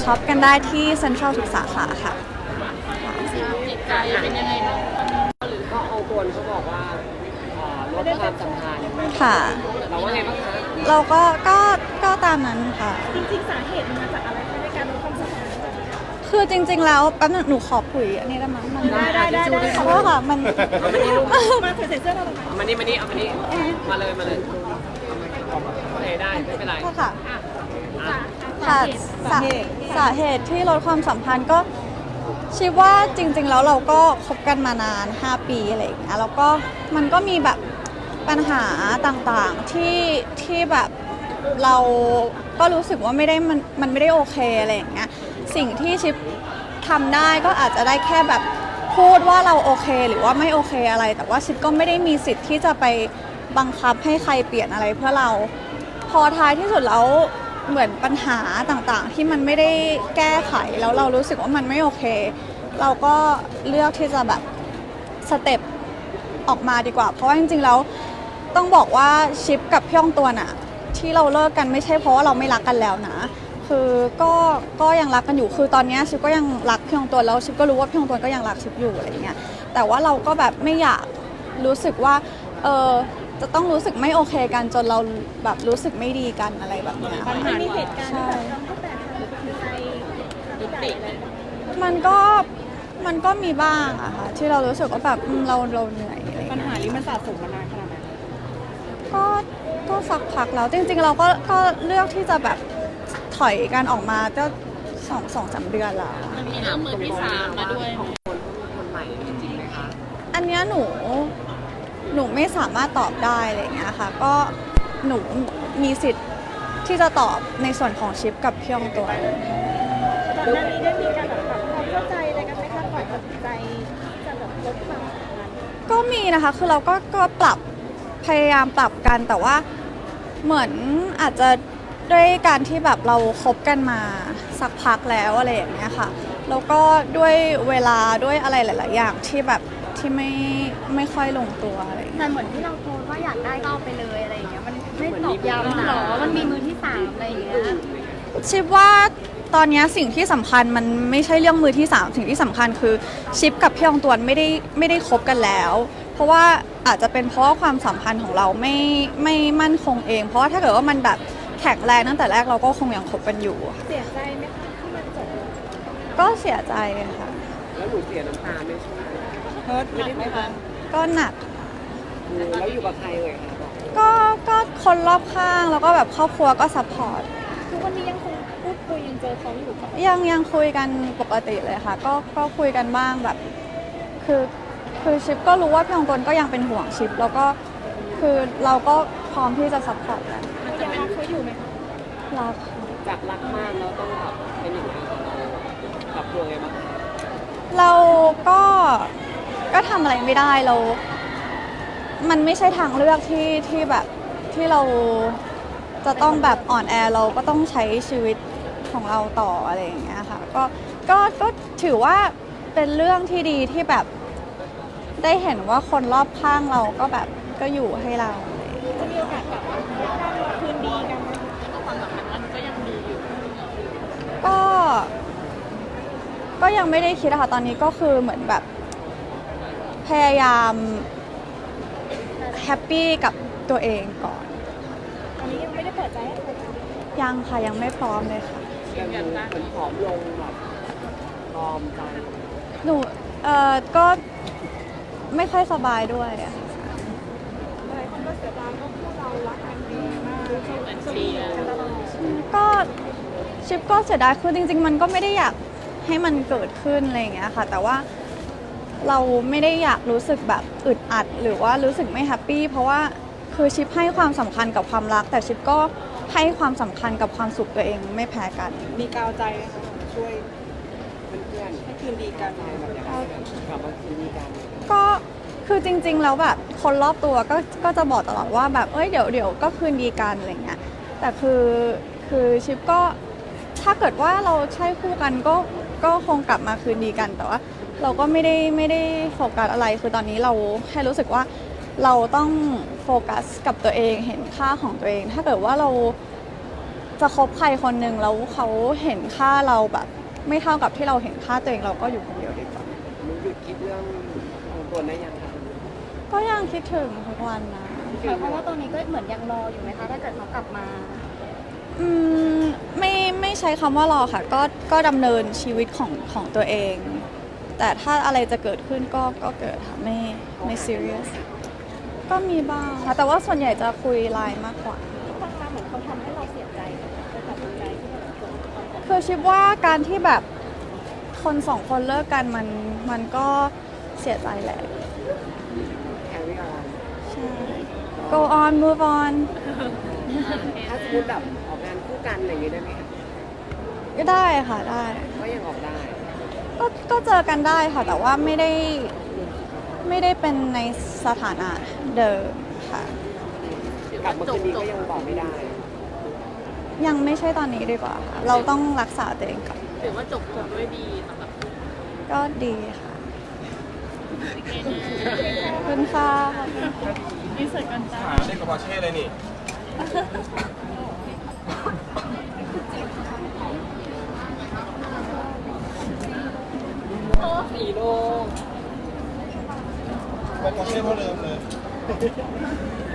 ช็อปกันได้ที่เซ็นทรัลทุกสาขาค่ะจิตใจเป็นยังไงบ้างหรือก็เอาตัวเขาบอกว่าลดความสัมพันธ์ค่ะเราว่าไงบ้างคะเราก็ตามนั้นค่ะจริงๆสาเหตุมันมาจากอะไรคะในการลดความสัมพันธ์คือจริงๆแล้วแป๊บนึงหนูขอคุยอันนี้ได้ไหมมันได้เพราะว่าค่ะมันมาใส่เสื้อเราทำไมเอามานี่มาเลยโอเคได้ไม่เป็นไรค่ะค่ะสาเหตุที่ลดความสัมพันธ์ก็คิดว่าจริงๆแล้วเราก็คบกันมานาน5 ปีอะไรอย่างเงี้ยแล้วก็มันก็มีแบบปัญหาต่างๆที่แบบเราก็รู้สึกว่ามันไม่ได้โอเคอะไรอย่างเงี้ยสิ่งที่ชิปทำได้ก็อาจจะได้แค่แบบพูดว่าเราโอเคหรือว่าไม่โอเคอะไรแต่ว่าชิปก็ไม่ได้มีสิทธิ์ที่จะไปบังคับให้ใครเปลี่ยนอะไรเพื่อเราพอท้ายที่สุดแล้วเหมือนปัญหาต่างๆที่มันไม่ได้แก้ไขแล้วเรารู้สึกว่ามันไม่โอเคเราก็เลือกที่จะแบบสเต็ปออกมาดีกว่าเพราะว่าจริงๆแล้วต้องบอกว่าชิปกับพี่ยองตัวน่ะที่เราเลิกกันไม่ใช่เพราะว่าเราไม่รักกันแล้วนะคือก็ยังรักกันอยู่คือตอนนี้ชิปก็ยังรักพี่ยองตัวแล้วชิปก็รู้ว่าพี่ยองตัวก็ยังรักชิปอยู่อะไรเงี้ยแต่ว่าเราก็แบบไม่อยากรู้สึกว่าจะต้องรู้สึกไม่โอเคกันจนเราแบบรู้สึกไม่ดีกันอะไรแบบนี้มันมีเหตุการณ์ที่แบบทำให้แตกหักหรือเป็นใจยุติอะไรมันก็มีบ้างอะค่ะที่เรารู้สึกว่าแบบเราเหนื่อยอะไรปัญหานี้มันสะสมมานานขนาดไหนก็สักพักแล้วจริงๆเราก็เลือกที่จะแบบถอยกันออกมาก็2-3 เดือนแล้วมันมีเรื่องมือที่3มาด้วยคนใหม่จริงไหมคะอันนี้หนูไม่สามารถตอบได้อะไรอย่างเงี้ยค่ะก็หนูมีสิทธิ์ที่จะตอบในส่วนของชิปกับพี่ยองตัวก่อนหน้านี้ได้มีการแบบปรับความเข้าใจอะไรกันไหมคะก่อนตัดสินใจที่จะแบบลดความสัมพันธ์ก็มีนะคะคือเราก็พยายามปรับกันแต่ว่าเหมือนอาจจะด้วยการที่แบบเราคบกันมาสักพักแล้วอะไรอย่างเงี้ยค่ะแล้วก็ด้วยเวลาด้วยอะไรหลายๆอย่างที่แบบที่ไม่ค่อยลงตัวอะไรแต่เหมือนที่เราโพสต์ว่าอยากได้ก็เอาไปเลยอะไรอย่างเงี้ยมันไม่ตอบย้ำหรอมันมีมือที่3อะไรอย่างเงี้ยชิปว่าตอนนี้สิ่งที่สำคัญมันไม่ใช่เรื่องมือที่3สิ่งที่สำคัญคือชิปกับพี่ยองตวนไม่ได้คบกันแล้วเพราะว่าอาจจะเป็นเพราะว่าความสัมพันธ์ของเราไม่มั่นคงเองเพราะว่าถ้าเกิดว่ามันแบบแข็งแรงตั้งแต่แรกเราก็คงยังคบกันอยู่เสียใจไหมคะที่มันจบก็เสียใจค่ะแล้วหนูเสียน้ำตาไม่ใช่เฮิร์ตหนักไหมคะก็หนักแล้วอยู่กับใครเลยคะก็คนรอบข้างแล้วก็แบบครอบครัวก็ซัพพอร์ตทุกวันนี้ยังคงพูดคุยยังเจอเขาอยู่ปะยังคุยกันปกติเลยค่ะก็คุยกันบ้างแบบคือชิปก็รู้ว่าพี่องตนก็ยังเป็นห่วงชิปแล้วก็คือเราก็พร้อมที่จะซัพพอร์ตกันยังรักเขาอยู่ไหมคะรักจากรักมากแล้วต้องแบบเป็นอย่างนี้ปรับตัวไงบ้างเราก็ทำอะไรไม่ได้เรามันไม่ใช่ทางเลือกที่แบบที่เราจะต้องแบบอ่อนแอเราก็ต้องใช้ชีวิตของเราต่ออะไรอย่างเงี้ยค่ะก็ถือว่าเป็นเรื่องที่ดีที่แบบได้เห็นว่าคนรอบข้างเราก็แบบก็อยู่ให้เราจะมีโอกาสกลับมาคืนดีกันไหมความสัมพันธ์มันก็ยังดีอยู่ก็ยังไม่ได้คิดอะค่ะตอนนี้ก็คือเหมือนแบบพยายามแฮปปี้กับตัวเองก่อนตอนนี้ยังไม่ได้เปิดใจให้ใครยังค่ะยังไม่พร้อมเลยค่ะยังเหมือนผอมลงแบบพร้อมใจหนูก็ไม่ค่อยสบายด้วยอะหลายคนก็เสียดายเพราะพวกเรารักกันดีมากเป็นเชียร์กันตลอดก็ชิปก็เสียดายคือจริงๆมันก็ไม่ได้อยากให้มันเกิดขึ้นอะไรอย่างเงี้ยค่ะแต่ว่าเราไม่ได้อยากรู้สึกแบบอึดอัดหรือว่ารู้สึกไม่แฮปปี้เพราะว่าคือชิปให้ความสำคัญกับความรักแต่ชิปก็ให้ความสำคัญกับความสุขตัวเองไม่แพ้กันมีกาวใจนะคะช่วยเพื่อนให้คืนดีกันแบบอย่างนี้กลับมาคืนดีกันก็คือจริงๆแล้วแบบคนรอบตัวก็จะบอกตลอดว่าแบบเดี๋ยวก็คืนดีกันอะไรเงี้ยแต่คือชิปก็ถ้าเกิดว่าเราใช่คู่กันก็คงกลับมาคืนดีกันแต่ว่าเราก็ไม่ได้โฟกัสอะไรคือตอนนี้เราแค่รู้สึกว่าเราต้องโฟกัสกับตัวเองเห็นค่าของตัวเองถ้าเกิดว่าเราจะคบใครคนหนึ่งแล้วเขาเห็นค่าเราแบบไม่เท่ากับที่เราเห็นค่าตัวเองเราก็อยู่คนเดียวดีกว่าหนูหยุดคิดเรื่ององค์ตัวได้ยังคะก็ยังคิดถึงทุกวันนะเพราะว่าตอนนี้ก็เหมือนยังรออยู่ไหมคะถ้าเกิดเขากลับมาอืมไม่ใช้คำว่ารอค่ะ ก็ดำเนินชีวิตของตัวเอง แต่ถ้าอะไรจะเกิดขึ้นก็เกิดค่ะไม่ serious ก็มีบ้างค่ะ แต่ว่าส่วนใหญ่จะคุยไลน์มากกว่าฟังมาเหมือนเขาทำให้เราเสียใจกับตัดสินใจที่แบบจบความสัมพันธ์คือชิปว่าการที่แบบคนสองคนเลิกกันมันก็เสียใจแหละแคร์รี่ออนใช่ go on move on ถ้าสมมติแบบออกงานคู่กันอะไรอย่างงี้ได้ไหมคะก็ได้ค่ะได้ก็ยังออกได้ก็เจอกันได้ค่ะ แต่ว่าไม่ได้เป็นในสถานะเดิมค่ะกลับมาคืนนี้ก็ยังบอกไม่ได้ยังไม่ใช่ตอนนี้ดีกว่าค่ะ เราต้องรักษาตัวเองก่อนถือว่าจบด้วยดีสำหรับก็ดีค่ะขอบคุณค่ะขอบคุณค่ะหาเด็กกับปอร์เช่เลยนี่ 4 โลปอร์เช่เท่าเดิมเลย